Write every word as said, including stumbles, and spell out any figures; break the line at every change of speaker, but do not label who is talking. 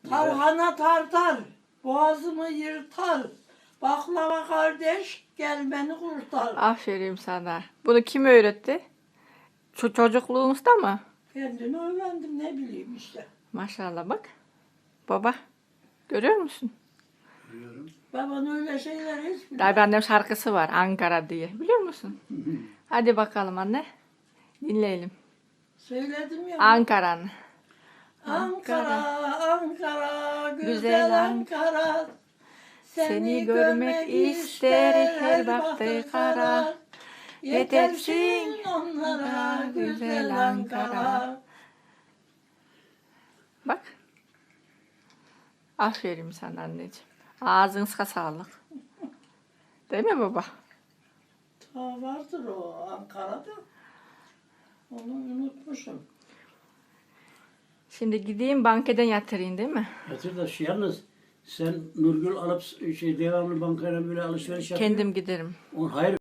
Tarhana tartar, boğazımı yırtar. Baklava kardeş, gel beni kurtar.
Aferin sana. Bunu kim öğretti? Şu çocukluğumuzda mı?
Kendimi öğrendim, ne bileyim işte.
Maşallah bak. Baba. Görüyor musun?
Biliyorum.
Baban öyle şeyler hiç bilmez.
Tabii annem şarkısı var Ankara diye. Biliyor musun? Hadi bakalım anne. Dinleyelim.
Söyledim ya.
Ankara'nın.
Ankara, Ankara, güzel,
Güzel
Ankara.
Seni görmek ister her baktı kara.
Yetersin onlara güzel Ankara.
Bak. Aferin sana anneciğim. Ağzınıza sağlık. Değil mi baba?
Ta vardır o Ankara'da. Onu unutmuşum.
Şimdi gideyim bankeden yatırayım değil mi?
Yatır da şu yalnız sen Nurgül alıp şey devamlı bankayla böyle alışveriş yapıyor.
Kendim giderim.
On, hayır.